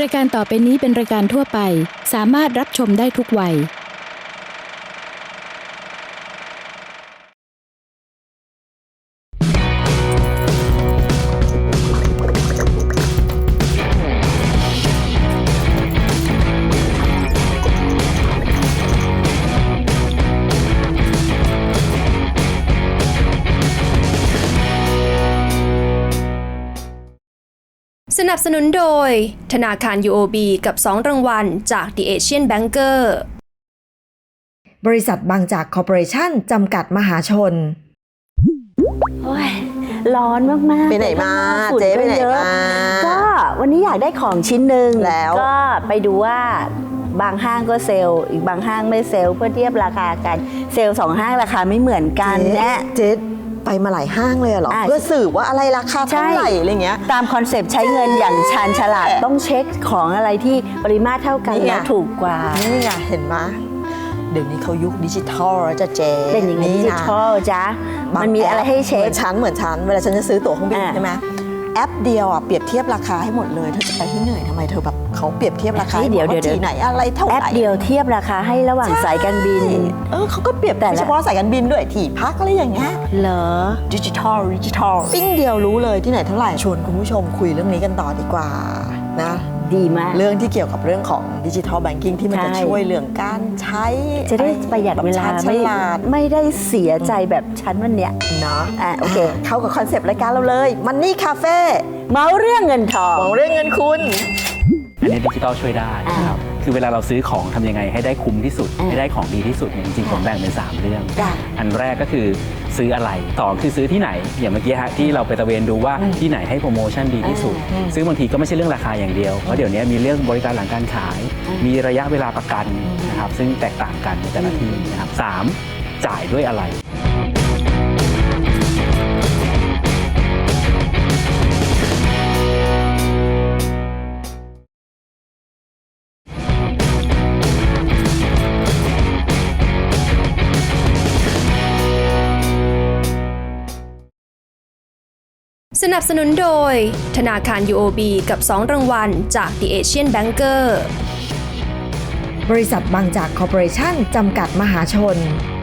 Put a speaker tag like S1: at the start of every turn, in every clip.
S1: รายการต่อไปนี้เป็นรายการทั่วไปสามารถรับชมได้ทุกวัย
S2: สนับสนุนโดยธนาคาร UOB กับ2รางวัลจาก The Asian Banker
S3: บริษัทบางจากคอร์ปอเรชั่นจำกัดมหาชน
S4: โอ้ยร้อนมากๆ
S5: ไปไหนมา
S4: ฝุ่น
S5: เจ๊ไปไหน
S4: เยอะ
S5: มา
S4: ก็วันนี้อยากได้ของชิ้นหนึ่ง
S5: แล้ว
S4: ก็ไปดูว่าบางห้างก็เซลล์อีกบางห้างไม่เซลล์เพื่อเทียบราคากันเซลล์2ห้างราคาไม่เหมือนกันเนี่ย
S5: เจ๊ไปมาหลายห้างเลยเหรอ เพื่อสืบว่าอะไรราคาเท่าไหร่อะไรเงี้ย
S4: ตามคอนเซปต์ใช้เงินอย่างชาญฉลาดต้องเช็คของอะไรที่ปริมาตรเท่ากัน
S5: นี่ไง
S4: แล้วถูกกว่า
S5: นี่ไงเห็นไหมเดี๋ยวนี้เขายุคดิจิทัลแล้วจะเจ๊
S4: เป็นอย่างนี้ดิจิทัลจ้ะมันมีอะไรให้เช็ค
S5: เหมือนฉันเวลาฉันจะซื้อตั๋วเครื่องบินใช่ไหมแอปเดียวอ่ะเปรียบเทียบราคาให้หมดเลยเธอจะไปที่เหนื่อยทำไมเธอแบบเขาเปรียบเทียบราคา
S4: เดี๋ยว
S5: ที่ไหนอะไรเท่าไหร่
S4: แอปเดียวเทียบราคาให้ระหว่างสายการบิน
S5: เขาก็เปรียบแต่เฉพาะสายการบินด้วยที่พักอะไรอย่างเงี้ย
S4: เหรอ
S5: ดิจิทัลปิ้งเดียวรู้เลยที่ไหนเท่าไหร่ชวนคุณผู้ชมคุยเรื่องนี้กันต่อดีกว่านะ
S4: ดีมาก
S5: เรื่องที่เกี่ยวกับเรื่องของดิจิทัลแบงกิ้งที่มันจะ
S4: ใช่
S5: ช่วยเรื่องการใช้
S4: จะได้ประหยัดเวลา
S5: แบบชญฉลาด
S4: ไม่ได้เสียใจแบบฉันวันเนี้ย
S5: เนาะ
S4: โอเค
S5: เข้ากับคอนเซปต์รายการเราเลยมันนี่คาเฟ่
S4: เมาเรื่องเงินทอง
S5: มองเรื่องเงินคุณ
S6: อันนี้ดิจิทัลช่วยได้นะครับ คือเวลาเราซื้อของทำยังไงให้ได้คุ้มที่สุด ให้ได้ของดีที่สุดเนี่ยจริงๆผมแบ่งเป็น 3 เรื่อง
S4: จ้ะ
S6: อันแรกก็คือซื้ออะไรต่อคือซื้อที่ไหน อย่างเมื่อกี้ฮะที่เราไปตะเวนดูว่าที่ไหนให้โปรโมชั่นดีที่สุด ซึ่งบางทีก็ไม่ใช่เรื่องราคาอย่างเดียว เพราะเดี๋ยวนี้มีเรื่องบริการหลังการขาย มีระยะเวลาประกันนะครับ ซึ่งแตกต่างกันในแต่ละที่นะครับ 3. จ่ายด้วยอะไร
S2: สนับสนุนโดยธนาคาร UOB กับ2รางวัลจาก The Asian Banker
S3: บริษัทบางจากคอร์ปอเรชั่นจำกัดมหาชน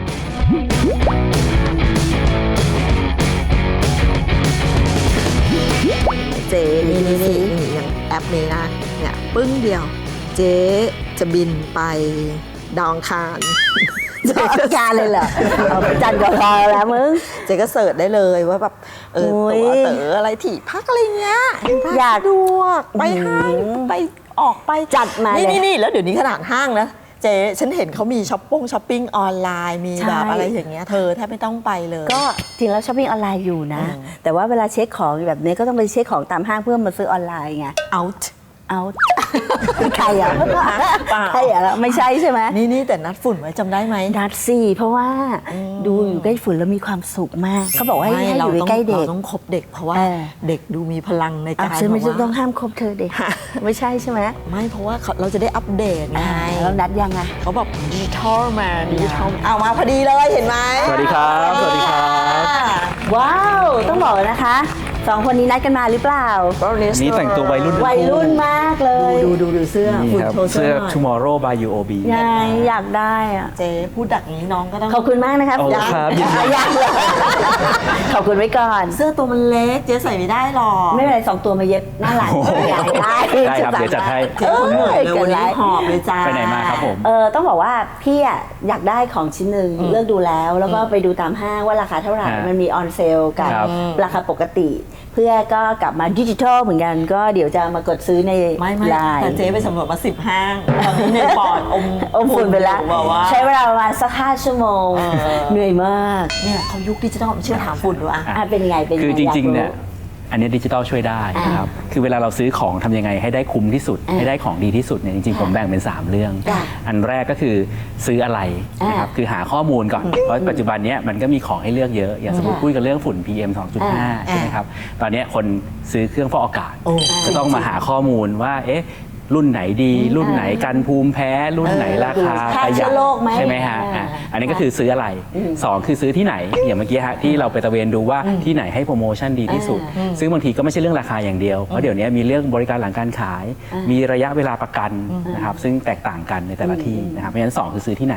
S5: เจ๊นี่อย่างแอปนี้นะเนี่ยปึ้งเดียว เจ๊จะบินไปดาวอังคาร
S4: การเลยเหรอเอาไปจันก็พอแล้วมึง
S5: เจ๊ก็เสิร์ชได้เลยว่าแบบ
S4: โอ้ย
S5: ตั๋วเต๋ออะไรที่พักอะไรเงี้ย
S4: อยาก
S5: สะดวกไปห้างไปออกไป
S4: จัดมาเลย
S5: นี่แล้วเดี๋ยวนี้ขนาดห้างนะเจ๊ฉันเห็นเขามีช้อปปิ้งออนไลน์มีแบบอะไรอย่างเงี้ยเธอแทบไม่ต้องไปเลย
S4: ก็จริงแล้วช้อปปิ้งออนไลน์อยู่นะ แต่ว่าเวลาเช็คของแบบนี้ก็ต้องไปเช็คของตามห้างเพื่อมาซื้อออนไลน์ไง
S5: out
S4: เอา ใครอ่ะ
S5: เปล่า
S4: ใครอ่ะไม่ใช่ใช่ไหม
S5: นี่แต่นัดฝุ่นไว้จำได้ไหม
S4: นัดสิเพราะว่าดูอยู่ใกล้ฝุ่นแล้วมีความสุขมากเขาบอกว่าให้อยู่ใกล้เด็ก
S5: เราต้องคบเด็กเพราะว่า
S4: เออ
S5: เด็กดูมีพลังในการ
S4: ฉันไม่
S5: แบบว่า
S4: ต้องห้ามคบเธอเด็ก ไม่ใช่ใช่ไหม
S5: ไม่เพราะว่าเราจะได้อัปเดตไง
S4: แล้วนัดยังไง
S5: เขาบอกดิจิทัลมาเอามาพอดีเลยเห็นไหม
S6: สวัสดีครับ สวัสดีครับ
S4: ว้าวต้องบอกนะคะสองคนนี้นัดกันมาหรือเปล่า
S6: นี่แต่งตัววัยรุ่นทั้งคู่
S4: วัยรุ่นมากเลย
S5: ดูเสื้อ
S6: นี่
S5: ฝุ่น
S6: ครับ
S5: โชว์เสื้
S6: เสื้
S5: อ
S6: อ
S5: หน่อย
S6: Tomorrow by UOB
S4: ไงอยากได้อะ
S5: เจ๊พูดดักอย่างนี้น้องก็ต้อง
S4: ขอบคุณมากนะคะ
S6: โอ้ครับยินดี
S4: อยากเลยขอบคุณไว้ก่อน
S5: เสื้อตัวมันเล็กเจ๊ใส่ไม่ได้หรอก
S4: ไม่เป็นไร2 ตัวมาเย็บหน้าหลัง
S6: โอ้โห
S4: อยากได้
S6: ได้ครับเดี๋ยวจัดให้
S5: เจ๊คนเหนื่อยเลยวันนี้หอบเลยจ้า
S6: ไปไหนมาครับผม
S4: ต้องบอกว่าพี่อะอยากได้ของชิ้นหนึ่งเลือกดูแล้วก็ไปดูตามห้างว่าราคาเท่าไหร่
S6: ฮะ
S4: มันมีออนเซลกับ
S6: ครับ
S4: ราคาปกติ เพื่อก็กลับมาดิจิทัลเหมือนกันก็เดี๋ยวจะมากดซื้อใน
S5: ไม่
S4: ไลน์
S5: แต่เจ๊ไปสำรวจมา10 ห้างตอนนี้ในปอด
S4: อมฝุ่นไปแล้ว
S5: บอกว่า
S4: ใช้เวลาประมาณสัก5 ชั่วโมง เหนื่อยมาก
S5: เนี่ยเขายุคดิจิทัลเชื่อถามฝุ่นดูอ่ะ
S4: เป็นยังไงเป็นยังไง
S6: คือจริงๆ
S4: อ
S6: เนี่ย
S4: ยาก
S6: อันนี้ดิจิทัลช่วยได้นะครับ คือเวลาเราซื้อของทำยังไงให้ได้คุ้มที่สุด ให้ได้ของดีที่สุดเนี่ยจริงๆ ผมแบ่งเป็น 3 เรื่อง
S4: จ้ะ
S6: อันแรกก็คือซื้ออะไรนะครับ คือหาข้อมูลก่อน เพราะปัจจุบันเนี้ยมันก็มีของให้เลือกเยอะ อย่างสมมติคุยกันเรื่องฝุ่น PM 2.5 ใช่ไหมครับ ตอนเนี้ยคนซื้อเครื่องฟอกอากาศ จะต้องมาหาข้อมูลว่า เอ๊ะรุ่นไหนดี รุ่นไหนกันภูมิแพ้รุ่นไหนราคา
S4: ฆ่า
S6: ประห
S4: เชื้
S6: ยัด
S4: อโรคไหม
S6: ใช่ไหมฮะอันนี้ก็คือซื้ออะไรสองคือซื้อที่ไหนอย่างเมื่อกี้ฮะที่เราไปตระเวนดูว่าที่ไหนให้โปรโมชั่นดีที่สุดซึ่งบางทีก็ไม่ใช่เรื่องราคาอย่างเดียวเพราะเดี๋ยวนี้มีเรื่องบริการหลังการขาย มีระยะเวลาประกันนะครับซึ่งแตกต่างกันในแต่ละที่นะครับเพราะฉะนั้น2คือซื้อที่ไหน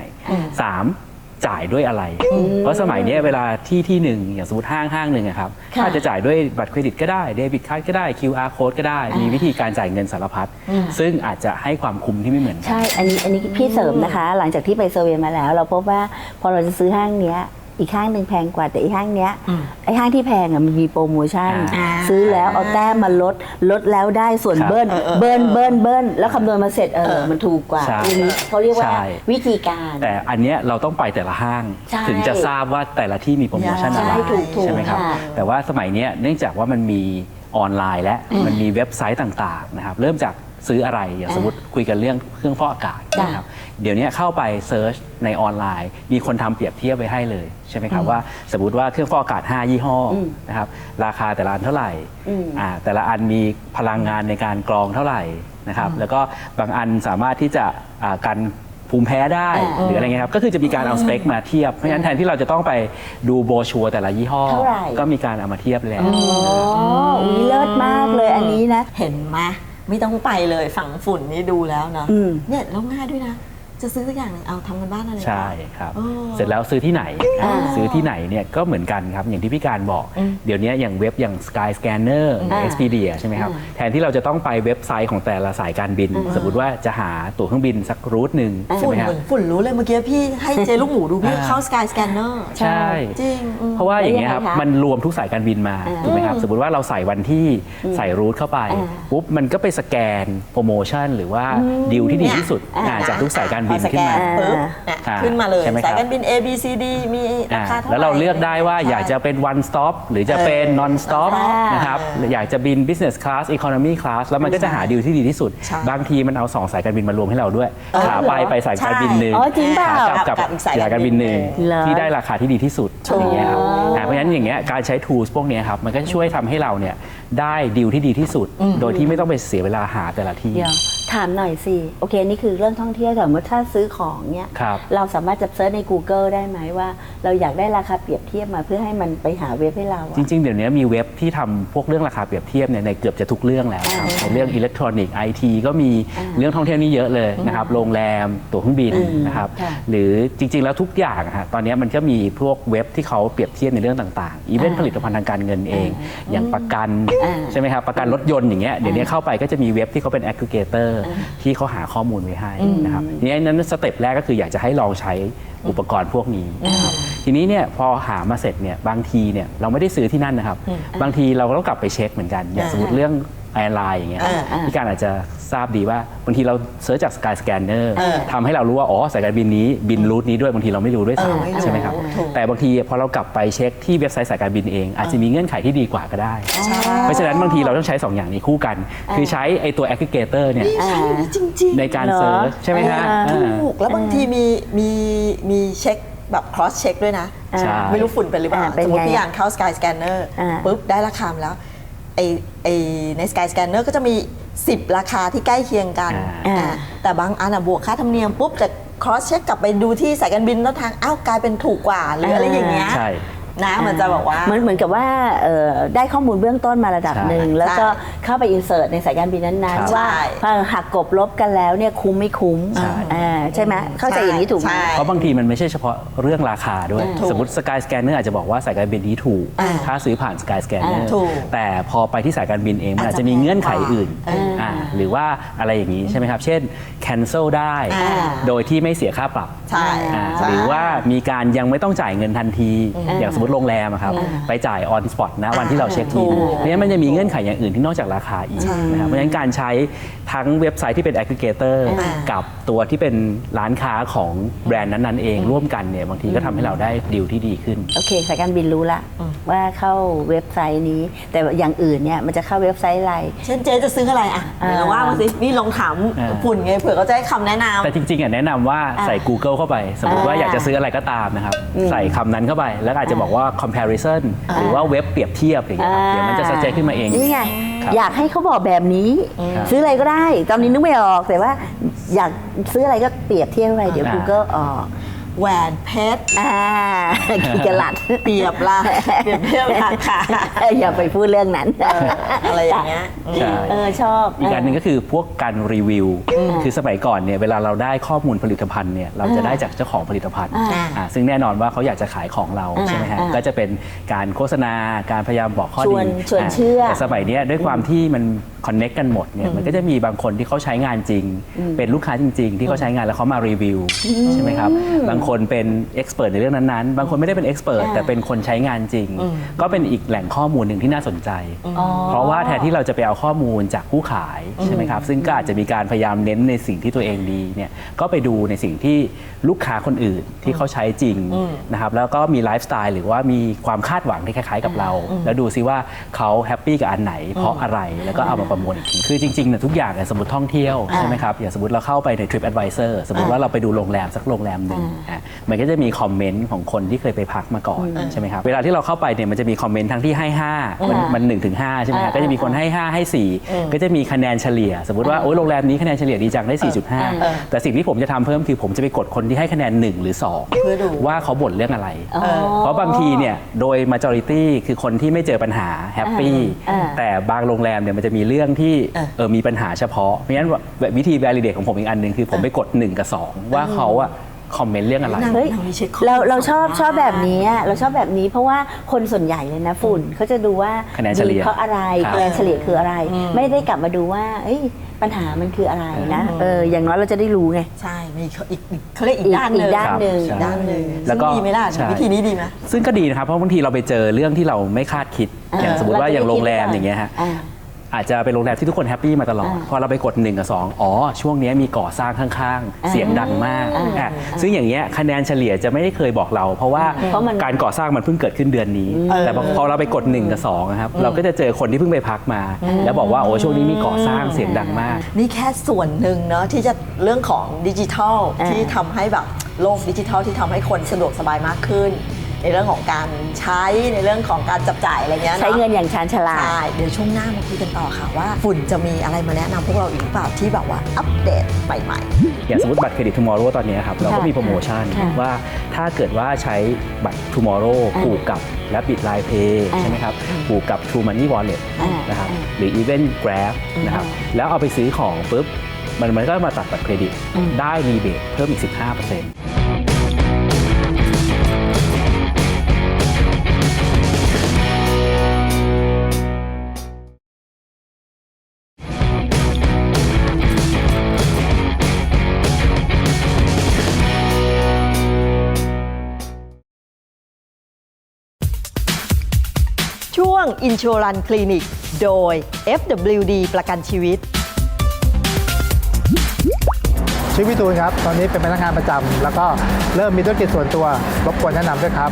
S6: 3จ่ายด้วยอะไร เพราะสมัยนี้เวลาที่หนึ่งอย่างสมมติห้างหนึ่งครับอาจจะจ่ายด้วยบัตรเครดิตก็ได้เดบิตการ์ดก็ได้ QR code ก็ได้มีวิธีการจ่ายเงินสารพัดซึ่งอาจจะให้ความคุ้มที่ไม่เหมือนกัน
S4: ใช่ อันนี้พี่เสริมนะคะ หลังจากที่ไปเซอร์เวย์มาแล้ว เราพบว่าพอเราจะซื้อห้างเนี้ยอีกห้างหนึ่งแพงกว่าแต่อีกห้างเนี้ยไอ้ห้างที่แพงอ่ะมันมีโปรโมชั่นซื้อแล้วเอาแต้มมาลดแล้วได้ส่วน
S6: ครับ
S4: เบิ้ลแล้วคำนวณมาเสร็จมันถูกกว่า
S6: ใช่
S4: อันนี้เขาเรียกว่า
S6: ใช่
S4: วิธีการ
S6: แต่อันเนี้ยเราต้องไปแต่ละห้าง
S4: ใช่
S6: ถึงจะทราบว่าแต่ละที่มีโปรโมชั่นอะไร
S4: ใช่ถูก
S6: ใช่ไหมครับ
S4: ค่ะ
S6: แต่ว่าสมัยเนี้ยเนื่องจากว่ามันมีออนไลน์และมันมีเว็บไซต์ต่างๆนะครับเริ่มจากซื้ออะไรอย่างสมมติคุยกันเรื่องเครื่องฟอกอากาศนะครับเดี๋ยวนี้เข้าไปเซิร์ชในออนไลน์ มีคนทำเปรียบเทียบไว้ให้เลยใช่ไหมครับว่าสมมติว่าเครื่องฟอกอากาศ5ยี่ห้อนะครับราคาแต่ละอันเท่าไหร่แต่ละอันมีพลังงานในการกรองเท่าไหร่นะครับแล้วก็บางอันสามารถที่จะกันภูมิแพ้ได้หรืออะไรเงี้ยครับก็คือจะมีการเอาสเปคมาเทียบเพราะฉะนั้นแทนที่เราจะต้องไปดูโบรชัวร์แต่ละยี่ห้อ
S4: เท่าไหร่
S6: ก็มีการเอามาเทียบแล้ว
S4: อุ๊ยเลิศมากเลยอันนี้นะ
S5: เห็นไหมไม่ต้องไปเลยฝังฝุ่นนี่ดูแล้วเนาะ
S4: อืม
S5: เนี่ยแล้วง่ายด้วยนะ จะซื้อสักอย่างหนึงเอาทำกันบ้านอะไร
S6: ใช่ครับ
S5: เออ
S6: เสร็จแล้วซื้อที่ไหนซื้อที่ไหนเนี่ยก็เหมือนกันครับอย่างที่พี่การบอก เดี๋ยวนี้อย่างเว็บอย่าง Sky Scanner Expedia ใช่ไหมครับแทนที่เราจะต้องไปเว็บไซต์ของแต่ละสายการบิน สมมติว่าจะหาตั๋วเครื่องบินสักรูทหนึ่งใช่
S5: ฝุ่
S6: ไห
S5: น
S6: มครั
S5: เห
S6: บ
S5: มือนฝุ่นรู้เลยเมื่อกี้พี่ให้เจลูกหมูดูพี่เข้า Sky Scanner
S6: ใช่
S5: จริง
S6: เพราะว่าอย่างเงี้ยครับ
S4: แล้วยังไงคะ
S6: มันรวมทุกสายการบินมาถูกไหมครับสมมติว่าเราใส่วันที่ใส่รูทเข้าไปปุ๊บมันก็ไปสแกนโปรโมชั่นหรือว่าดีลที่ดีที่สุดจากทุกสายการบิน
S5: พอส
S6: ขึ้
S5: แก
S6: นมา
S5: ปุ๊บเนี่ย
S6: อ่า
S5: ขึ้นมาเลย
S6: ใช่ไหมครับ
S5: สายการบิน A B C D มีราคาเท่าไหร่
S6: แล้วเราเลือกได้ว่าอยากจะเป็น one stop หรือจะเป็น non stop นะครับหรืออยากจะบิน business class economy class แล้วมันก็จะหาดีลที่ดีที่สุด
S5: ใช่
S6: บางทีมันเอา2สายการบินมารวมให้เราด้วยขาไปสายการบินหนึ่ง
S4: อ๋อจริงเปล่า
S6: ขากลับ
S5: กับอีกสาย
S6: สายการบินหนึ่ง
S4: เหรอ
S6: ที่ได้ราคาที่ดีที่สุดอย่างเงี้ยครับเพราะฉะนั้นอย่างเงี้ยการใช้ tools พวกเนี้ยครับมันก็ช่วยทำให้เราเนี่ยได้ดีลที่ดีที่สุด โดยที่ไม่ต้องไปเสียเวลาหาแต่ละที่
S4: เดี๋ยวถามหน่อยสิ โอเค นี่คือเรื่องท่องเที่ยวแต่เมื่อถ้าซื้อของเนี่ย
S6: ครับ
S4: เราสามารถจะเซิร์ชใน Google ได้ไหมว่า เราอยากได้ราคาเปรียบเทียบมาเพื่อให้มันไปหาเว็บให้เราอะ
S6: จริงๆ เดี๋ยวนี้มีเว็บที่ทำพวกเรื่องราคาเปรียบเทียบเนี่ยในเกือบจะทุกเรื่องแล้วครับในเรื่องอิเล็กทรอนิกส์ไอทีก็มีเรื่องท่องเที่ยวนี่เยอะเลยนะครับโรงแรมตั๋วเครื่องบินนะครับ
S4: ค่ะ
S6: หรือจริงๆ แล้วทุกอย่างอะฮะตอนนี้มันก็มีพวกเว็บที่เขาเปรียบเทียบในเรื่องต่างๆอีเวนต์ผลิตภัณฑ์ทางการเงินเอง อย่างประกันใช่ไหมครับประกันรถยนต์อย่างเงี้ยเดี๋ยวนี้เข้าไปก็จะมีเว็บที่เขาเป็น aggregator ที่เขาหาข้อมูลไว้ให้นะครับทีนี้นั้นสเต็ปแรกก็คืออยากจะให้ลองใช้อุปกรณ์พวกนี้นะครับทีนี้เนี่ยพอหามาเสร็จเนี่ยบางทีเนี่ยเราไม่ได้ซื้อที่นั่นนะครับบางทีเราก็ต้องกลับไปเช็คเหมือนกันอย่างสมมติเรื่องแอร์ไลน์อย่างเงี้ยพี่การอาจจะทราบดีว่าบางทีเราเสิร์ชจาก Sky Scanner ทำให้เรารู้ว่าอ๋อสายการบินนี้บินรูทนี้ด้วยบางทีเราไม่รู้ด้วยซ้ำใช่ไหมครับแต่บางทีพอเรากลับไปเช็คที่เว็บไซต์สายการบินเอง อาจจะมีเงื่อนไขที่ดีกว่าก็ได้ เพราะฉะนั้นบางทีเราต้องใช้ 2 อย่างนี้คู่กัน คือใช้ไอ้ตัว aggregator เนี่ย
S5: ใช่จริงๆ
S6: ในการเซิร์ชใช่ไหมฮะ
S5: ถูกแล้วบางทีมีเช็คแบบ cross check ด้วยนะ
S6: ใช่
S5: ไม่รู้ฝุ่นเป็นหรือเปล่า
S4: เป็น
S5: สมมติ
S4: ไง
S5: พี่อย่างเข้า Sky Scanner ปุ๊บได้ราคามาแล้วไอใน Sky Scanner ก็จะมี 10 ราคาที่ใกล้เคียงกันแต่บางอันบวกค่าธรรมเนียมปุ๊บจะ cross check กลับไปดูที่สายการบินแล้วทางอ้าวกลายเป็นถูกกว่าหรืออะไรอย่างเงี้ย
S6: ใช่
S5: นะมันจะบอกว่า
S4: เหมือนกับว่าได้ข้อมูลเบื้องต้นมาระดับหนึ่ง
S6: ใช่
S4: แล้วก็เข้าไปอินเสิร์ตในสายการบินนั้น
S6: ครับ
S4: ๆ ว่าพอหักกบลบกันแล้วเนี่ยคุ้มไม่คุ้ม
S6: ใช่
S4: ใช่ไหมเข้าใจอย่างนี้ถูกไหม
S5: ใช่
S6: เพราะบางทีมันไม่ใช่เฉพาะเรื่องราคาด้วย
S5: ถูก
S6: สมมติ Sky Scanner อาจจะบอกว่าสายการบินนี้ถูก ถ้าซื้อผ่าน Sky Scanner
S5: ถูก
S6: แต่พอไปที่สายการบินเองมันอาจจะมีเงื่อนไขอื่นหรือว่าอะไรอย่างนี้ใช่ไหมครับ เช่น cancel ได้ โดยที่ไม่เสียค่าปรับ
S5: ใช่
S6: หรือว่ามีการยังไม่ต้องจ่ายเงินทันที อย่างสมมติโรงแรมอะครับไปจ่าย on spot นะวันที่เราเช็คอินเพราะฉะนั้นมันจะมีเงื่อนไขอย่างอื่นที่นอกจากราคาอีกนะครับเพราะฉะนั้นการใช้ทั้งเว็บไซต์ที่เป็น aggregator กับตัวที่เป็นร้านค้าของแบรนด์นั้นๆเองร่วมกันเนี่ยบางทีก็ทำให้เราได้ดีลที่ดีขึ้น
S4: โอเคสายการบินรู้ละว่าเข้าเว็บไซต์นี้ แต่อย่างอื่นเนี่ยมันจะเข้าเว็บไซต์อะไร
S5: เช่นเจ๊จะซื้ออะไรอ่ะเดี๋ยวเราว่ามาสินี่ลองถามฝุ่นไงเผื่อเขาจะให้คำแนะนำ
S6: แต่จริงๆแนะนำว่าใส่ Google เข้าไป สมมติว่าอยากจะซื้ออะไรก็ตามนะครับใส่คำนั้นเข้าไปแล้วอาจจะบอกว่า comparison หรือว่าเว็บเปรียบเทียบอย่างเงี้ยครับเดี๋ยวมันจะ suggest ขึ้นมาเอง
S4: นี่ไงอยากให้เขาบอกแบบนี้ ซื้ออะไรก็ได้ ตอนนี้นึกไม่ออกแต่ว่าอยากซื้ออะไรก็เปรียบเทียบอะไรเดี๋ยว Google ออก
S5: แหวนเพชร
S4: กี่กะลัด
S5: เปรียบละเปรียบเทียบราคา
S4: อย่าไปพูดเรื่องนั้น
S5: อะไรอย่างเงี้ย
S6: ใช่
S4: ชอบ
S6: อีกอันหนึ่งก็คือพวกการรีวิว คือสมัยก่อนเนี่ยเวลาเราได้ข้อมูลผลิตภัณฑ์เนี่ยเราจะได้จากเจ้าของผลิตภัณฑ์ซึ่งแน่นอนว่าเขาอยากจะขายของเราใช่ไหมฮะก็จะเป็นการโฆษณาการพยายามบอกข้อดี
S4: ชวนเชื่อ
S6: แต่สมัยเนี้ยด้วยความที่มันคอนเน็กกันหมดเนี่ยมันก็จะมีบางคนที่เขาใช้งานจริง เป็นลูกค้าจริง ๆ ที่เขาใช้งานแล้วเขามารีวิวใช่ไหมครับบางคนเป็นเอ็กซ์เพรสในเรื่องนั้นๆบางคนไม่ได้เป็นเอ็กซ์เพรสแต่เป็นคนใช้งานจริง ก็เป็นอีกแหล่งข้อมูลหนึ่งที่น่าสนใจ เพราะว่าแทนที่เราจะไปเอาข้อมูลจากผู้ขายใช่ไหมครับซึ่งก็อาจจะมีการพยายามเน้นในสิ่งที่ตัวเองดีเนี่ยก็ไปดูในสิ่งที่ลูกค้าคนอื่นที่เขาใช้จริงนะครับแล้วก็มีไลฟ์สไตล์หรือว่ามีความคาดหวังที่คล้ายๆกับเรา แล้วดูซิว่าเขาแฮปปี้กับอันไหนเพราะอะไรแล้วก็เอามาประมวลอีกทีคือจริงๆเนี่ยทุกอย่างเนี่ยสมมติท่องเที่ยวใช่ไหมครับอย่างสมมติเราเข้าไปใน Trip Advisor สมมติว่าเราไปดูโรงแรมสักโรงแรมหนึ่งมันก็จะมีคอมเมนต์ของคนที่เคยไปพักมาก่อนใช่ไหมครับเวลาที่เราเข้าไปเนี่ยมันจะมีคอมเมนต์ทั้งที่ให้5มัน1 ถึง 5ใช่ไหมครับก็จะมีคนให้5ให้4ก็จะมีคะแนนเฉลี่ยสมมติว่าโอ้ยโรงแรมนี้คะแนนเฉลี่ยดีจังได้ 4.5 แต่สิ่งที่ผมจะทำเพิ่มคือผมจะไปกดคนที่ให้คะแนน1 หรือ 2ว่าเขาบ่นเรื่องอะไรเพราะบางทีเนี่ยโดย majority คือคนที่ไม่เจอปัญหาแฮปปี้แต่บางโรงแรมเนี่ยมันจะมีเรื่องที่มีปัญหาเฉพาะเพราะฉะนั้นวิธี validate ของผมอีกอันหนึ่งคือผมไปกด1 กับ 2ว่าเขาอะคอมเมนต์เรื่องอะไร
S4: เฮ้ยเราชอบแบบนี้เราชอบแบบนี้เพราะว่าคนส่วนใหญ่เลยนะฝุ่นเขาจะดูว่า
S6: คะแนนเฉลี่ย
S4: เพราะอะไรคะแนนเฉลี่ยคืออะไร ไม่ได้กลับมาดูว่าปัญหามันคืออะไรนะอย่างน้อยเราจะได้รู้ไง
S5: ใช่มีอีกเขาเรียกอีกด้านหนึ่ง
S4: อีกด้านหนึ่ง
S5: ด้านหนึ่ง
S6: แล้วก็
S5: ซึ่งดีไหมล่ะ
S6: ใช่
S5: วิธีนี้ดีไหม
S6: ซึ่งก็ดีนะครับเพราะบางทีเราไปเจอเรื่องที่เราไม่คาดคิดอย่างสมมติว่าอย่างโรงแรมอย่างเงี้ยฮะอาจจะเป็นโรงแรมที่ทุกคนแฮปปี้มาตลอดพอเราไปกด1 กับ 2ช่วงนี้มีก่อสร้างข้างๆเสียงดังมากซึ่งอย่างเงี้ยคะแนนเฉลี่ยจะไม่ได้เคยบอกเรา เพราะว่าการก่อสร้างมันเพิ่งเกิดขึ้นเดือนนี้ แต่พอเราไปกด1 กับ 2นะครับเราก็จะเจอคนที่เพิ่งไปพักมา แล้วบอกว่าโอ้ช่วงนี้มีก่อสร้างเสียงดังมาก
S5: นี่แค่ส่วนหนึ่งเนาะที่จะเรื่องของดิจิทัลที่ทำให้แบบโลกดิจิทัลที่ทำให้คนสะดวกสบายมากขึ้น ในเรื่องของการใช้ในเรื่องของการจับจ่ายอะไรเงี้ย
S4: ใช้เงินอย่างชาญฉลาด
S5: ใช่เดี๋ยวช่วงหน้ามาคุยกันต่อค่ะว่าฝุ่นจะมีอะไรมาแนะนำพวกเราอีกหรือเปล่าที่แบบว่าอัปเดตใหม่ๆ
S6: อย่างสมมติบัตรเครดิต Tomorrow ตอนนี้ครับเราก็มีโปรโมชั่นว่าถ้าเกิดว่าใช้บัตร Tomorrow ผูกกับและบิด Line Pay ใช่ไหมครับผูกกับ True Money Wallet นะครับหรือ Even Grab นะครับแล้วเอาไปซื้อของปุ๊บมันก็มาตัดบัตรเครดิตได้รีเบทเพิ่มอีก 15%
S5: ช่วง Insurance Clinic โดย FWD ประกันชีวิต
S7: ชื่อพี่ตูนครับ ตอนนี้เป็นพนักงานประจำแล้วก็เริ่มมีธุรกิจส่วนตัวรบกวนแนะนำด้วยครับ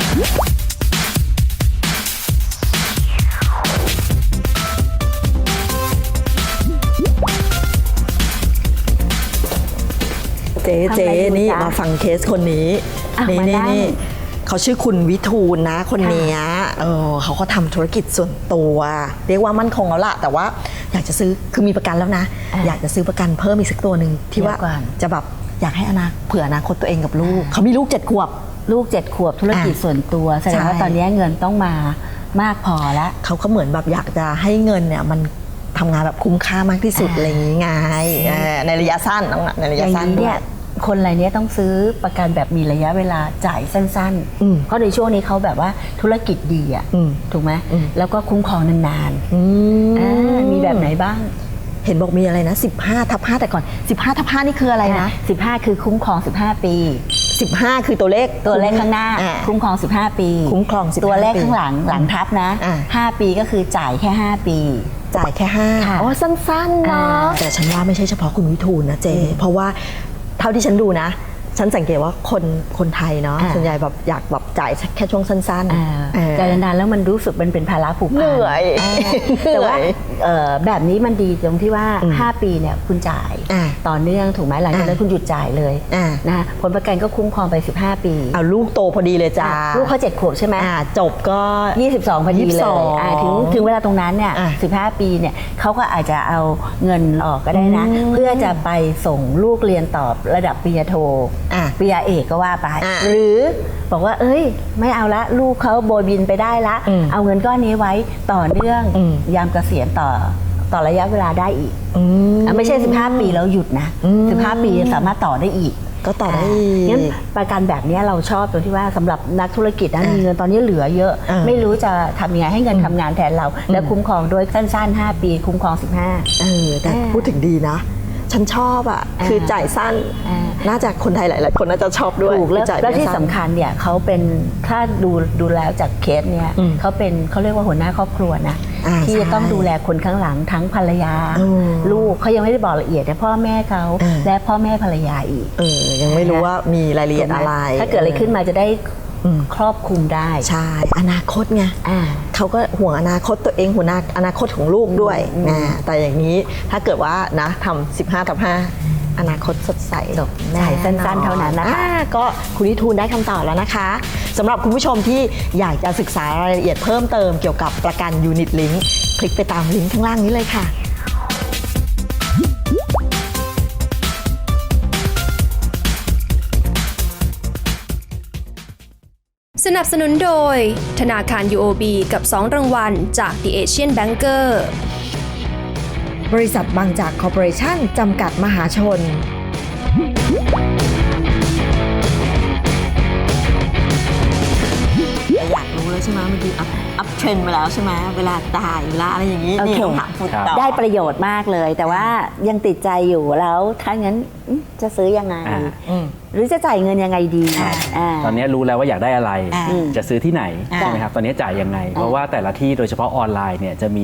S5: เจ๊
S4: ทำอะไรอยู่
S5: นี่
S4: จ๊ะ
S5: มาฟังเคสคนนี้ นี่
S4: มานั่ง
S5: นี่เขาชื่อคุณวิทูลนะคนเนี้ยเขาก็ทำธุรกิจส่วนตัว เรียกว่ามั่นคงแล้วล่ะแต่ว่าอยากจะซื้อคือมีประกันแล้วนะ อยากจะซื้อประกันเพิ่มอีกสักตัวหนึ่งที่ว่า
S4: เดี๋ยวก่อน
S5: จะแบบอยากให้เผื่ออนาคตตัวเองกับลูกเขามีลูก7 ขวบ
S4: ลูก7 ขวบธุรกิจส่วนตัวแสดงว่า
S5: ใช่
S4: ตอนนี้เงินต้องมามากพอแล้ว
S5: เขาก็เหมือนแบบอยากจะให้เงินเนี่ยมันทำงานแบบคุ้มค่ามากที่สุดอะไรอย่างงี้ไงในระยะสั้นน้องในระ
S4: อย
S5: ะ
S4: ย่าง
S5: สั้น
S4: นี้
S5: ด้ว
S4: เนี่ย ยคนรายเนี้ยต้องซื้อประกันแบบมีระยะเวลาจ่ายสั้นๆ เพราะในช่วงนี้เขาแบบว่าธุรกิจดีอ่ะถูกไหมแล้วก็คุ้มครองนานๆมีแบบไหนบ้าง
S5: เห็นบอกมีอะไรนะ15/5แต่ก่อน15/5นี่คืออะไรนะ
S4: 15 คือคุ้มครอง15 ปี
S5: 15คือตัวเลข
S4: ข้างหน้า คุ้มครอง15 ปี
S5: คุ้มครอง15
S4: ตัวเลข
S5: ปี
S4: ข้างหลังทับนะ 5 ปีก็คือจ่ายแค่5 ปี
S5: จ่ายแค่5
S4: ค่ะ
S5: อ๋อสั้นๆเนาะแต่ฉันว่าไม่ใช่เฉพาะคุณวิทูลนะเจเพราะว่าเท่าที่ฉันดูนะ
S3: ฉันสังเกตว่าคนไทยเนาะส่วนใหญ่แบบอยากแบบจ่ายแค่ช่วงสั้นๆ
S4: แต่นานๆแล้วมันรู้สึกมันเป็นภาระผูกพัน
S3: เหนื่อย
S4: แต่ว่าแบบนี้มันดีตรงที่ว่า 5 ปีเนี่ยคุณจ่ายต่อเนื่องถูกไหมหลังจากนั้นคุณหยุดจ่ายเลยนะผลประกันก็คุ้มครองไป15 ปี
S3: เอาลูกโตพอดีเลยจ้า
S4: ลูกเขา7 ขวบใช่ไหม
S3: จบก็
S4: 22 พอดีเลยถึงเวลาตรงนั้นเนี่ย15 ปีเนี่ยเขาก็อาจจะเอาเงินออกก็ได้นะ เพื่อจะไปส่งลูกเรียนต่อระดับปริญญาโทปริญญาเอกก็ว่าไปหรือบอกว่าเอ้ยไม่เอาละลูกเขาโบยบินไปได้ละเอาเงินก้อนนี้ไว้ต่อเนื่องยามเกษียณต่อระยะเวลาได้อีกไม่ใช่15 ปีแล้วหยุดนะ15 ปีสามารถต่อได้อีก
S3: ก็ต่อได้
S4: งั้นประกันแบบนี้เราชอบตรงที่ว่าสำหรับนักธุรกิจนะมีเงินตอนนี้เหลือเยอะไม่รู้จะทำยังไงให้เงินทำงานแทนเราและคุ้มครองด้วยสั้นๆ5 ปีคุ้มครอง15
S3: แต่พูดถึงดีนะ ฉันชอบคือจ่ายสั้นน่าจะคนไทยหลายๆคนน่าจะชอบด้วย
S4: ถูกแล้วที่สำคัญเนี่ยเขาเป็นถ้าดูแล้วจากเคสเนี่ยเขาเรียกว่าหัวหน้าครอบครัวนะที่จะต้องดูแลคนข้างหลังทั้งภรรยาลูกเขายังไม่ได้บอกละเอียดแต่พ่อแม่เขาและพ่อแม่ภรรยาอีก
S3: ยังไม่รู้ว่ามีรายละเอียดอะไร
S4: ถ้าเกิดอะไรขึ้นมาจะได้ครอบคลุมได้
S3: ใช่อนาคตไงเขาก็ห่วงอนาคตตัวเองห่วงอนาคตของลูกด้วยแต่อย่างนี้ถ้าเกิดว่านะทำ15/5อนาคตสดใส
S4: จ่ายสั้นๆเท่านั้นนะคะ
S3: ก็คุณนิทูลได้คำตอบแล้วนะคะสำหรับคุณผู้ชมที่อยากจะศึกษารายละเอียดเพิ่มเติมเกี่ยวกับประกัน Unit Link คลิกไปตามลิงก์ข้างล่างนี้เลยค่ะ
S2: สนับสนุนโดยธนาคาร UOB กับ 2 รางวัลจาก The Asian Banker
S3: บริษัทบางจากคอร์ปอเรชั่นจำกัดมหาชนอยากรู้แล้วใช่ไหมมันคืออัพเทรนด์มาแล้วใช่ไหมเวลาจ่ายเวลาอะไรอย่างนี้นี่ต้องถามคุณต่อ
S4: ได้ประโยชน์มากเลยแต่ว่ายังติดใจอยู่แล้วถ้างั้นจะซื้อยังไงหรือจะจ่ายเงินยังไงดี
S6: ตอนนี้รู้แล้วว่าอยากได้อะไรจะซื้อที่ไหนใช่ไหมครับตอนนี้จ่ายยังไงเพราะว่าแต่ละที่โดยเฉพาะออนไลน์เนี่ยจะมี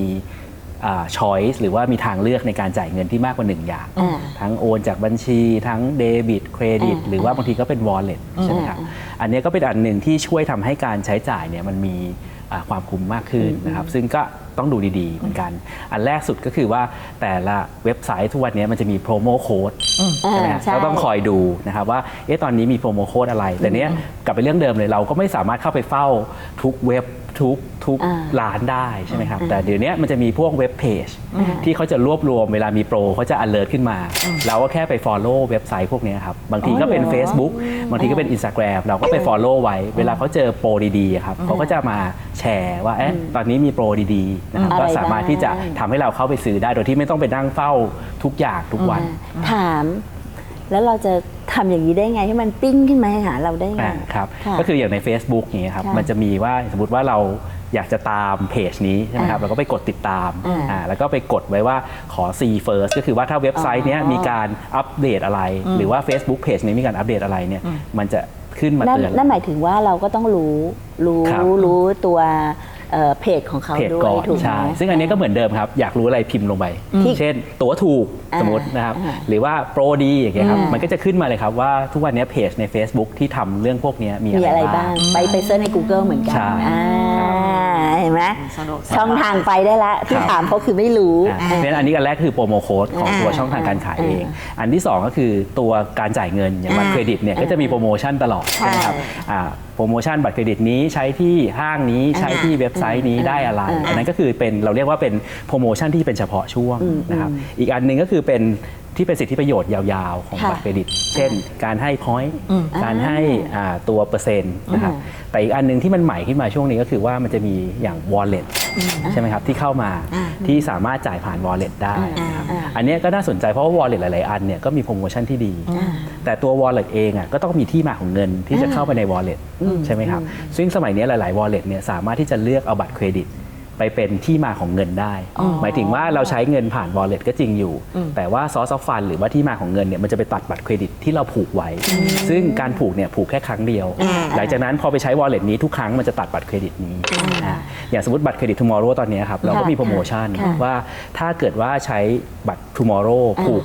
S6: choice หรือว่ามีทางเลือกในการจ่ายเงินที่มากกว่า1อย่างทั้งโอนจากบัญชีทั้งเดบิตเครดิตหรือว่าบางทีก็เป็น wallet ใช่ไหมครับอันนี้ก็เป็นอันหนึ่งที่ช่วยทำให้การใช้จ่ายเนี่ยมันมีความคุ้มมากขึ้นนะครับซึ่งก็ต้องดูดีๆเหมือนกันอันแรกสุดก็คือว่าแต่ละเว็บไซต์ทุกวันนี้มันจะมีโปรโมโค้ดใช่ไหมเราต้องคอยดูนะครับว่าตอนนี้มีโปรโมโค้ดอะไรแต่เนี้ยกลับไปเรื่องเดิมเลยเราก็ไม่สามารถเข้าไปเฝ้าทุกเว็บทุกร้านได้ใช่ไหมครับแต่เดี๋ยวนี้มันจะมีพวกเว็บเพจที่เขาจะรวบรวมเวลามีโปรเขาจะ alert ขึ้นมาเราก็แค่ไป follow เว็บไซต์พวกนี้ครับบางทีก็เป็น Facebook บางทีก็เป็น Instagram เราก็ไป follow ไว้เวลาเขาเจอโปรดีๆครับเขาก็จะมาแชร์ว่าตอนนี้มีโปรดีๆนะครับก็สามารถที่จะทำให้เราเข้าไปซื้อได้โดยที่ไม่ต้องไปนั่งเฝ้าทุกอย่างทุกวัน
S4: ถามแล้วเราจะทำอย่างนี้ได้ไงให้มันปิ้งขึ้นมาหาเราได้ไง
S6: ครับก็คืออย่างใน Facebook อย่างเงี้ยครับมันจะมีว่าสมมติว่าเราอยากจะตามเพจนี้ใช่ไหมครับเราก็ไปกดติดตามแล้วก็ไปกดไว้ว่าขอ see first ก็คือว่าถ้าเว็บไซต์นี้มีการอัปเดตอะไรหรือว่า Facebook Page นี้มีการอัปเดตอะไรเนี่ยมันจะขึ้นมาเตือน
S4: นั่นหมายถึงว่าเราก็ต้องรู้ตัวเพจของเขาด้วยถูกไหม
S6: ซึ่งอันนี้ก็เหมือนเดิมครับอยากรู้อะไรพิมพ์ลงไปเช่นตั๋วถูกสมมตินะครับหรือว่าโปรดีอย่างเงี้ยครับมันก็จะขึ้นมาเลยครับว่าทุกวันนี้เพจใน Facebook ที่ทำเรื่องพวกนี้มีอะไรบ้าง
S4: ไปเซิร์ชใน Google เหมือนกันเห็นไหมช่องทางไปได้แล้วที่ถามเขาคือไม่รู้
S6: เพราะฉะนั้นอันนี้อันแรกคือโปรโมโค้ดของตัวช่องทางการขายเองอันที่2ก็คือตัวการจ่ายเงินอย่างบัตรเครดิตเนี่ยก็จะมีโปรโมชั่นตลอดใช่ไหมครับโปรโมชั่นบัตรเครดิตนี้ใช้ที่ห้างนี้ใช้ที่เว็บไซต์นี้ได้อะไรอันนั้นก็คือเป็นเราเรียกว่าเป็นโปรโมชั่นที่เป็นเฉพาะช่วงนะครับอีกอันนึงก็คือเป็นที่เป็นสิทธิประโยชน์ยาวๆของบัตรเครดิตเช่นการให้ point การให้ตัวเปอร์เซ็นต์นะครับแต่อีกอันนึงที่มันใหม่ขึ้นมาช่วงนี้ก็คือว่ามันจะมีอย่าง wallet ใช่ไหมครับที่เข้ามาที่สามารถจ่ายผ่าน wallet ได้นะครับอันนี้ก็น่าสนใจเพราะว่า wallet หลายๆอันเนี่ยก็มีโปรโมชั่นที่ดีแต่ตัว wallet เองก็ต้องมีที่มาของเงินที่จะเข้าไปใน wallet ใช่ไหมครับซึ่งสมัยนี้หลายๆ wallet เนี่ยสามารถที่จะเลือกเอาบัตรเครดิตไปเป็นที่มาของเงินได้หมายถึงว่าเราใช้เงินผ่าน wallet ก็จริงอยู่แต่ว่า source of fund หรือว่าที่มาของเงินเนี่ยมันจะไปตัดบัตรเครดิตที่เราผูกไว้ซึ่งการผูกเนี่ยผูกแค่ครั้งเดียวหลังจากนั้นพอไปใช้ wallet นี้ทุกครั้งมันจะตัดบัตรเครดิตนี้อย่างสมมติบัตรเครดิต tomorrow ตอนนี้ครับเราก็มีโปรโมชั่นว่าถ้าเกิดว่าใช้บัตร tomorrow ผูกกับ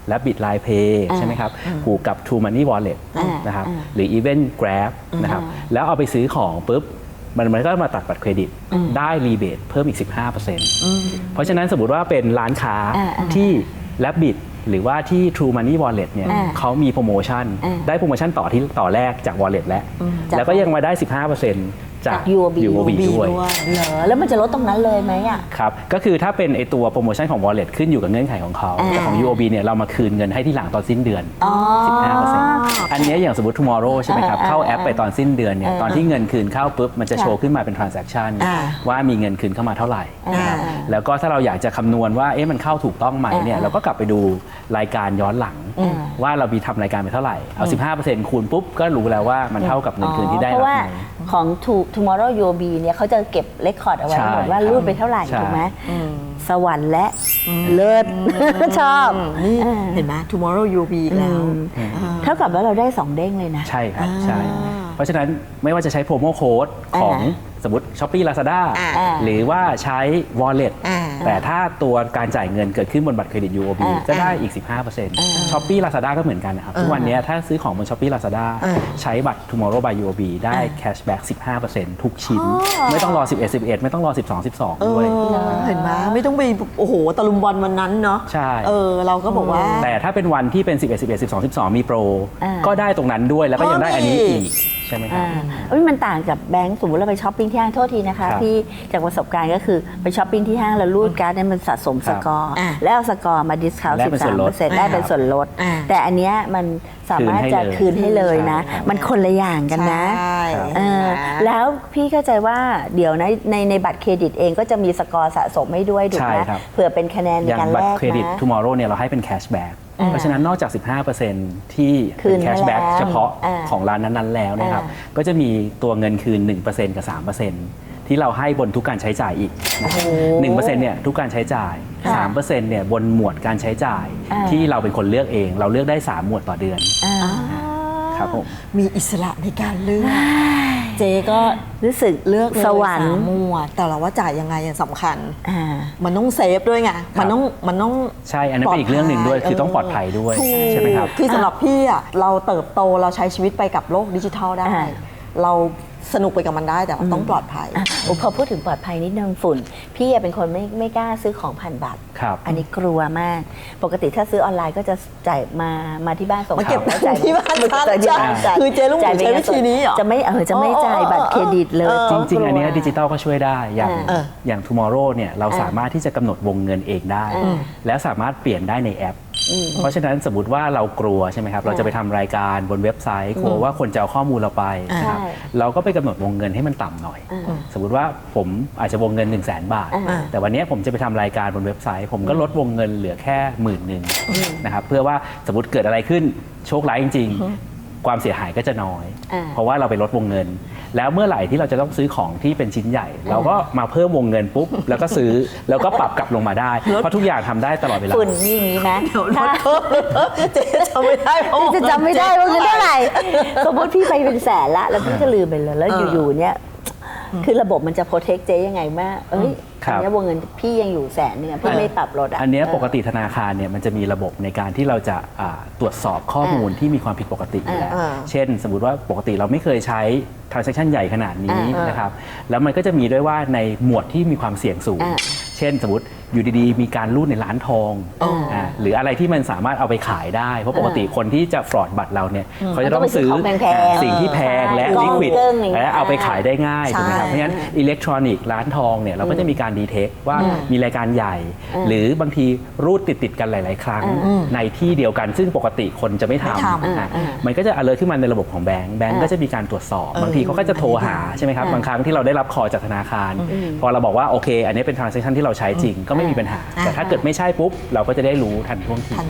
S6: Rabbit Line Pay ใช่ไหมครับผูกกับ True Money Wallet นะครับหรือ Even Grab นะครับแล้วเอาไปซื้อของปุ๊บมันก็มาตัดบัตรเครดิตได้รีเบทเพิ่มอีก 15%เพราะฉะนั้นสมมติว่าเป็นร้านค้าที่ Rabbit หรือว่าที่ True Money Wallet เนี่ยเขามีโปรโมชั่นได้โปรโมชั่นต่อแรกจาก Wallet แล้วก็ยังมาได้ 15%จาก UOB ด้วย
S4: เหรอแล้วมันจะลดตรงนั้นเลยไหมอ่ะ
S6: ครับก็คือถ้าเป็นไอตัวโปรโมชั่นของ Wallet ขึ้นอยู่กับเงื่อนไขของเขาแต่ของ UOB เนี่ยเรามาคืนเงินให้ที่หลังตอนสิ้นเดือน 15%อันนี้อย่างสมมติ Tomorrow ใช่ไหมครับเข้าแอปไปตอนสิ้นเดือนเนี่ยตอนที่เงินคืนเข้าปุ๊บมันจะโชว์ขึ้นมาเป็น transaction ว่ามีเงินคืนเข้ามาเท่าไหร่นะครับแล้วก็ถ้าเราอยากจะคำนวณว่าเอ๊ะมันเข้าถูกต้องไหมเนี่ยเราก็กลับไปดูรายการย้อนหลังว่าเรามีทำรายการไปเท่าไหร่เอา 15% คูณปุ๊บก็รู้แล้วว่ามันเท่ากับเงินคืนที่ได้
S4: เพ
S6: รับ
S4: ราะว่า
S6: ไหม
S4: ของ Tomorrow UOB เนี่ยเขาจะเก็บเรคคอร์ดเอาไว้
S6: ใช่
S4: หมดว่ารูดไปเท่าไหร่
S6: ใช่
S4: ถูกไหมสวรรค์และเลิศชอบ
S5: นี่เห็นไหม Tomorrow UOB อีกแล้ว
S4: เท่ากับว่าเราได้2เด้งเลยนะ
S6: ใช่ครับใช่เพราะฉะนั้นไม่ว่าจะใช้โปรโมโค้ดของสมมติ Shopee Lazada หรือว่าใช้ Wallet แต่ถ้าตัวการจ่ายเงินเกิดขึ้นบนบัตรเครดิต UOB จะได้อีก 15% Shopee Lazada ก็เหมือนกันนะครับทุกวันนี้ถ้าซื้อของบน Shopee Lazada ใช้บัตร Tomorrow by UOB ได้ cashback 15% ทุกชิ้น ไม่ต้องรอ 11 ไม่ต้องรอ 12 ด้วย
S5: เห็นไหมไม่ต้องไปโอ้โหตะลุมบอลวันนั้นเนาะ
S6: ใช่
S5: เราก็บอกว่า
S6: แต่ถ้าเป็นวันที่เป็น 11 12 มีโปรก็ได้ตรงนั้นด้วยแล้วก็ยังได้อันนี้อีกใช่ไหมครับ
S4: มันต่างกับแบงก์สมมติเราไปช้อปปิ้งที่ห้างโทษทีนะคะ
S6: ครับ
S4: ที่จากประสบการณ์ก็คือไปช้อปปิ้งที่ห้างแล้วรูดการ์ดเนี่ยมันสะสมสกอร์แล้วเอาสกอร์มาดิสคาวน์
S6: ได้เป็นส่วนลด
S4: 13%ได้เป็นส่วนลดแต่อันเนี้ยมันสามารถจะคืนให้เลยนะ
S6: ใช่ครับ
S4: มันคนละอย่างกันนะ
S5: ใช่
S4: แล้วพี่เข้าใจว่าเดี๋ยวนะในบัตรเครดิตเองก็จะมีสกอร์สะสมให้ด้วยถูกไหม
S6: ใช่ครับ
S4: เผื่อเป็นคะแนนใน
S6: อย่าง
S4: การ
S6: บั
S4: แล
S6: ตร
S4: ก
S6: เครดิต
S4: นะ
S6: Tomorrow เนี่ยเราให้เป็น cashback เพราะฉะนั้นนอกจาก 15% ที่
S4: คื
S6: เป็น น
S4: ให้
S6: cashback
S4: แล้ว
S6: เฉพาะ
S4: อ่า
S6: ของร้านนั้นๆแล้วนะครับก็จะมีตัวเงินคืน 1% กับ 3% ที่เราให้บนทุกการใช้จ่ายอีกนะครับ1%เนี่ยทุกการใช้จ่าย 3% เนี่ยบนหมวดการใช้จ่ายที่เราเป็นคนเลือกเอง เราเลือกได้ 3 หมวดต่อเดือนครับผม
S5: มีอิสระในการเลือก เจ๊ก็
S4: รู้สึก
S5: เลือกเลย
S4: สวรรค์
S5: 3 หมวดแต่เราว่าจ่ายยังไงอย่างสำคัญ
S4: อ่า
S5: มันต้องเซฟด้วยไงมันต้อง
S6: ใช่อันนั้นเป็นอีกเรื่องหนึ่งด้วยคือต้องปลอดภัยด้วยใช่ไหมครับ
S5: คือสำหรับพี่อ่ะเราเติบโตเราใช้ชีวิตไปกับโลกดิจิทัลได้ เราสนุกไปกับมันได้แต่เราต้องปลอดภัย
S4: พอพูดถึงปลอดภัยนิดนึงฝุ่น พี่เป็นคนไม่กล้าซื้อของผ่านบัตร
S6: ครับ
S4: อันนี้กลัวมาก ปกติถ้าซื้อออนไลน์ก็จะจ่ายมาที่บ้านส่ง
S5: มาเก็บ
S4: แล้วจ่าย
S5: ที่บ้าน
S4: จ่ายที่บ้าน
S5: ใช่คือเจ๊ลูกหมู
S4: จ่ายเป็น
S5: ใช้วิธีนี้เหรอ
S4: จะไม่จ่ายบัตรเครดิตเลย
S6: จริงๆ อันเนี้ยดิจิตอลก็ช่วยได้อย่าง Tomorrow เนี่ยเราสามารถที่จะกำหนดวงเงินเองได้ แล้วสามารถเปลี่ยนได้ในแอป เพราะฉะนั้นสมมติว่าเรากลัวใช่ไหมครับเราจะไปทำรายการบนเว็บไซต์กลัวว่าคนจะเอาข้อมูลเราไปนะครับเราก็ไปกำหนดวงเงินให้มันต่ำหน่อย สมมติว่าผมอาจจะวงเงิน 1 0 0 0 0แบาท แต่วันนี้ผมจะไปทำรายการบนเว็บไซต์ ผมก็ลดวงเงินเหลือแค่10,000นะครับเพื่อว่าสมมติเกิดอะไรขึ้นโชคร้ายจริงๆความเสียหายก็จะน้อย เพราะว่าเราไปลดวงเงิน แล้วเมื่อไหร่ที่เราจะต้องซื้อของที่เป็นชิ้นใหญ่ เราก็มาเพิ่มวงเงินปุ๊บแล้วก็ซื้อแล้วก็ปรับกลับลงมาได้เพราะทุกอย่างทำได้ตลอดเวลา
S4: ฝุ่นนี่อย่างนี้นะถ้า
S5: เจ๊จำไม่ได้เพราะ
S4: จะจำไม่ได้ว่าเงินเท่าไหร่สมมติพี่ไปเป็นแสนละแล้วพี่ก็ลืมไปเลยแล้วอยู่ๆเนี่ยคือระบบมันจะโปรเทคเจ๊ยังไงว่าเอ้ย
S6: ครับ
S4: อันนี้วงเงินพี่ยังอยู่100,000พี่ไม่ปรับลดอ่ะ
S6: อันเนี้ยปกติธนาคารเนี่ยมันจะมีระบบในการที่เราจะตรวจสอบข้อมูลที่มีความผิดปกติอยู่แล้วเช่น สมมุติว่าปกติเราไม่เคยใช้ transaction ใหญ่ขนาดนี้นะครับแล้วมันก็จะมีด้วยว่าในหมวดที่มีความเสี่ยงสูง เช่นสมมติอยู่ดีๆ มีการรูดในร้านทองหรืออะไรที่มันสามารถเอาไปขายได้เพราะปกติคนที่จะฟรอดบัตรเราเนี่ยเขาจะต้องซื้อสิ่งที่แพงและ liquid และเอาไปขายได้ง่ายถูกไหมครับเพราะฉะนั้นอิเล็กทรอนิกส์ร้านทองเนี่ยเราก็จะมีการดีเทคว่ามีรายการใหญ่ หรือบางทีรูดติดกันหลายๆครั้งในที่เดียวกันซึ่งปกติคนจะไม่ทำมันก็จะ alert ขึ้นมาในระบบของแบงก์ก็จะมีการตรวจสอบบางทีเขาก็จะโทรหาใช่ไหมครับบางครั้งที่เราได้รับคอจากธนาคารพอเราบอกว่าโอเคอันนี้เป็น transaction ที่เราใช้จริงก็ไม่มีปัญหาแต่ถ้าเกิดไม่ใช่ปุ๊บเราก็จะได้รู้ทันท่วงที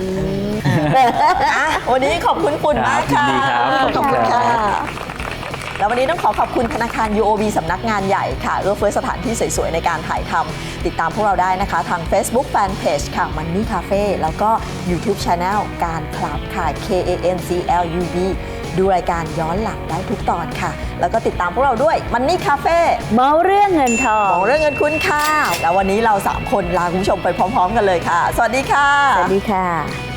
S5: วันนี้ขอบคุณฝุ่นมากค่ะ
S6: ยินดีครับขอบคุณครับ
S5: แล้ววันนี้ต้องขอบคุณธนาคาร UOB สำนักงานใหญ่ค่ะเอื้อเฟื้อสถานที่สวยๆในการถ่ายทำติดตามพวกเราได้นะคะทาง Facebook Fanpage ค่ะ Money Cafe แล้วก็ YouTube Channel การคลับค่ะ KANCLUB ดูรายการย้อนหลังได้ทุกตอนค่ะ แล้วก็ติดตามพวกเราด้วย Money Cafe
S4: เมาเรื่องเงินทอง
S5: ของเรื่องเงินคุณค่ะแล้ววันนี้เรา3คนลาคุณผู้ชมไปพร้อมๆกันเลยค่ะ สวัสดีค่ะ
S4: สวัสดีค่ะ